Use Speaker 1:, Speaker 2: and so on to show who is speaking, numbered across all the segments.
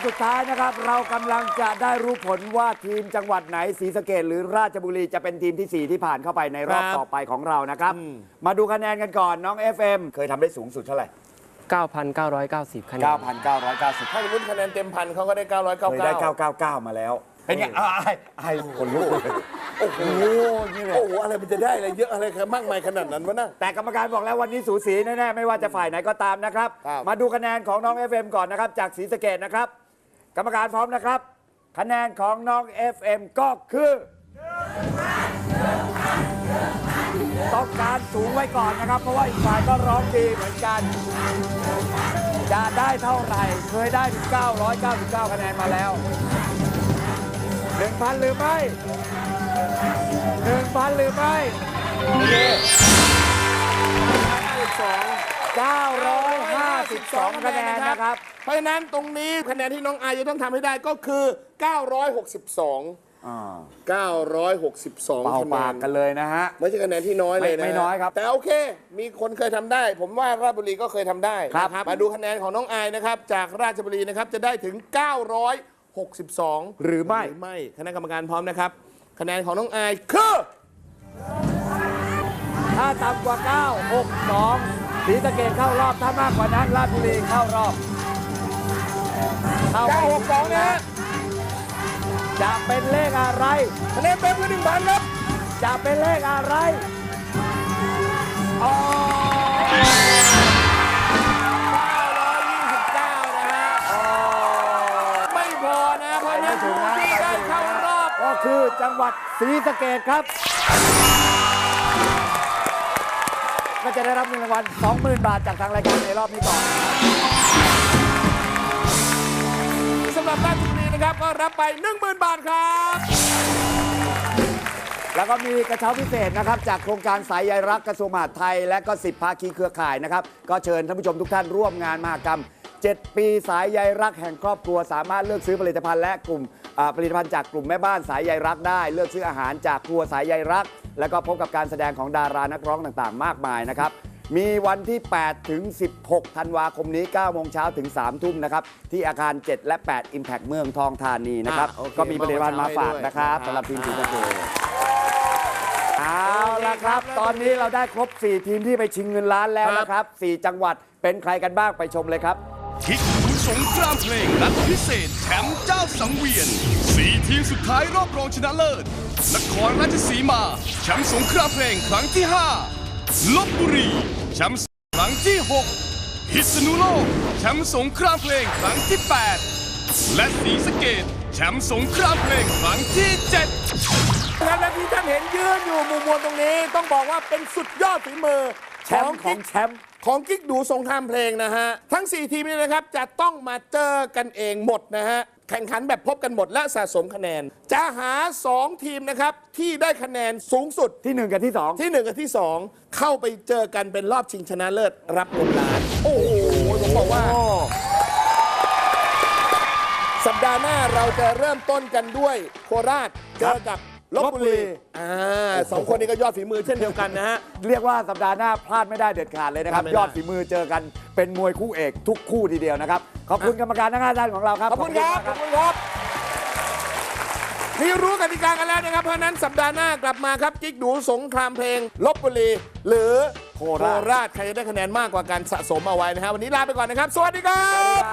Speaker 1: สุดท้ายนะครับ เรากำลังจะได้รู้ผลว่าทีมจังหวัดไหนศรีสะเกษหรือราชบุรีจะเป็นทีมที่ 4 ที่ผ่านเข้าไปในรอบต่อไปของเรานะครับ มาดูคะแนนกันก่อนน้อง FM เคยทำได้สูงสุดเท่าไหร่
Speaker 2: 9,990 คะแนน
Speaker 1: 9,990
Speaker 3: ถ้าสมมติคะแนนเต็มพันเขาก็ได้
Speaker 1: เคยได้
Speaker 3: 999
Speaker 1: 999 มาแล้ว เป็นไงไอ้คนลุกเลยโอ้โหนี่เลย
Speaker 3: โอ้โหอะไรมันจะได้อะไรเยอะอะไรมากมายขนาดนั้นวะนะ
Speaker 1: แต่กรรมการบอกแล้ววันนี้สูสีแน่ๆไม่ว่าจะฝ่ายไหนก็ตามนะครับ
Speaker 3: ครับ
Speaker 1: มาดูคะแนนของน้อง FM ก่อนนะครับจากศรีสะเกษนะครับ กรรมการพร้อมนะครับ คะแนนของน้อง FM ก็คือต้องการสูงไว้ก่อนนะครับ เพราะว่าอีกฝ่ายก็ร้องดีเหมือนกัน จะได้เท่าไหร่เคยได้ถึง999 คะแนนมาแล้ว 1,000 หรือไม่ 1,000 หรือไม่952 คะแนนนะครับ
Speaker 3: เพราะฉะนั้นตรงนี้คะแนนที่น้องอายจะต้องทำให้ได้ก็คือ 962 962
Speaker 1: เป่า
Speaker 3: คะแน
Speaker 1: ปาก
Speaker 3: น
Speaker 1: กันเลยนะฮะ
Speaker 3: ไม่ใช่คะแนนที่น้อยเลยนะ
Speaker 1: ไม่น้อยครับ
Speaker 3: แต่โอเค มีคนเคยทำได้ ผมว่าราชบุรีก็เคยทำได้
Speaker 1: ครับ
Speaker 3: นะมาดูคะแนนของน้องอายนะครับ จากราชบุรีนะครับจะได้ถึง 962
Speaker 1: หรือไม่
Speaker 3: คณะกรรมการพร้อมนะครับ คะแนนของน้องอายคือ
Speaker 1: ถ้าต่ำกว่า 962ศรีสะเกษเข้ารอบ ถ้ามากกว่านั้นราชบุรีเข้ารอบเข้าไป
Speaker 3: 962 นะฮะ
Speaker 1: จะเป็นเลขอะไร
Speaker 3: คะแนนเต็มคือ 1,000 ครับ
Speaker 1: จะเป็นเลขอะไรอ๋อ
Speaker 3: 929 นะฮะไม่พอนะเพราะฉะนั้นผู้ที่ได้เข้ารอบ
Speaker 1: ก็คือจังหวัดศรีสะเกษครับ ก็จะได้รับเงินรางวัล 20,000 บาทจากทางรายการในรอบนี้ก่อน
Speaker 3: สำหรับราชบุรีนะครับก็รับไป 10,000 บาทครับ
Speaker 1: แล้วก็มีกระเช้าพิเศษนะครับจากโครงการสายใยรักกระทรวงมหาดไทย และก็10ภาคีเครือข่ายนะครับก็เชิญท่านผู้ชมทุกท่านร่วมงานมหกรรม 7 ปีสายใยรักแห่งครอบครัวสามารถเลือกซื้อผลิตภัณฑ์และกลุ่มผลิตภัณฑ์จากกลุ่มแม่บ้านสายใยรักได้ เลือกซื้ออาหารจากครัวสายใยรัก แล้วก็พบกับการแสดงของดารานักร้องต่างๆ มากมายนะครับมีวันที่ 8 ถึง 16 ธันวาคมนี้ 9 โมงเช้าถึง 3 ทุ่มนะครับที่อาคาร 7 และ 8 Impact เมืองทองธานีนะครับ
Speaker 3: โอเค
Speaker 1: ก็มีผลิตภัณฑ์มาฝากนะครับสำหรับทีมศรีสะเกษ เอาละครับ ตอนนี้เราได้ครบ 4 ทีมที่ไปชิงเงินล้านแล้วนะครับ 4 จังหวัดเป็นใครกันบ้างไปชมเลยครับ
Speaker 4: คิกดูสงครามเพลงนัดพิเศษแชมป์เจ้าสังเวียน 4 ทีมสุดท้ายรอบรองชนะเลิศ นครราชสีมาแชมป์สงครามเพลงครั้งที่ 5 ลพบุรีแชมป์ครั้งที่ 6 พิษณุโลกแชมป์สงครามเพลงครั้งที่ 8 และศรีสะเกษแชมป์สงครามเพลงครั้งที่ 7
Speaker 3: และที่ท่านเห็นยืนอยู่มุมมวลตรงนี้ต้องบอกว่าเป็นสุดยอดฝีมือ
Speaker 1: แชมป์ของแชมป์
Speaker 3: ของกิ๊กดูสงครามเพลงนะฮะ ทั้ง 4 ทีมนี้นะครับจะต้องมาเจอกันเองหมดนะฮะ แข่งขันแบบพบกันหมดและสะสมคะแนน จะหา 2 ทีมนะครับที่ได้คะแนนสูงสุด
Speaker 1: ที่ 1 กับที่ 2
Speaker 3: ที่ 1 กับที่ 2 เข้าไปเจอกันเป็นรอบชิงชนะเลิศรับเงินล้าน โอ้โหผมบอกว่า สัปดาห์หน้าเราจะเริ่มต้นกันด้วยโคราชเจอกับลพบุรีสองคนนี้ก็ยอดฝีมือเช่นเดียวกันนะฮะ
Speaker 1: เรียกว่าสัปดาห์หน้าพลาดไม่ได้เด็ดขาดเลยนะครับ
Speaker 3: พลาดไม่ได้
Speaker 1: ยอดฝีมือเจอกันเป็นมวยคู่เอกทุกคู่ทีเดียวนะครับ ขอบคุณกรรมการทั้ง 5 ท่านของเราครับ
Speaker 3: ขอบคุณครับ
Speaker 1: ข
Speaker 3: ข
Speaker 1: อ
Speaker 3: อ
Speaker 1: บบ คุ
Speaker 3: คุณ ณครับนี่รู้กติกากันแล้วนะครับ เพราะฉะนั้นสัปดาห์หน้ากลับมาครับกิ๊กดูสงครามเพลงลพบุรี หรือโคราชใครจะได้คะแนนมากกว่าการสะสมเอาไว้นะฮะวันนี้ลาไปก่อนนะครับ สวัสดีครับ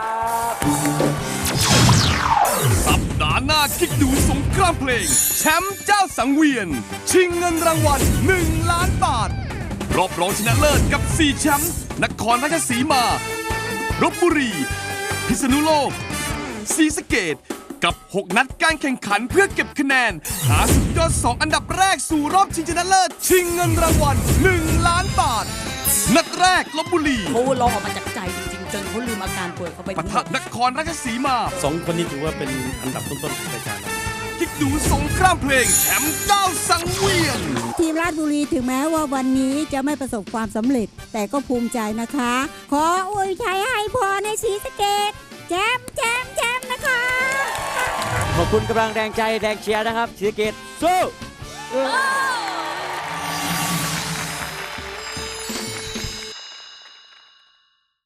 Speaker 4: สัปดาห์หน้าคิกดูสงครามเพลง แชมป์เจ้าสังเวียน ชิงเงินรางวัล1 ล้านบาท รอบรองชนะเลิศกับ 4 แชมป์นครราชสีมาลพบุรี พิษณุโลกศรีสะเกษกับ 6 นัดการแข่งขันเพื่อเก็บคะแนน หาสุดยอด 2 อันดับแรกสู่รอบชิงชนะเลิศ ชิงเงินรางวัล1 ล้านบาท นัดแรกลพบุรี
Speaker 5: เขาร้องออกมาจากใจจริงๆ จนเขาลืมอาการป่วยเขาไป
Speaker 4: ปะทะนครราชสีมา
Speaker 6: 2 คนนี้ถือว่าเป็นอันดับต้นๆของรายการแล้ว
Speaker 4: คิกดูสงครามเพลงแชมป์เจ้าสังเวียน
Speaker 7: ทีมราชบุรีถึงแม้ว่าวันนี้จะไม่ประสบความสำเร็จ แต่ก็ภูมิใจนะคะ ขออวยชัยให้พรในศรีสะเกษแจมแจมแจมนะคะ
Speaker 2: ขอบคุณกำลังแรงใจแรงเชียร์นะครับศรีสะเกษสู้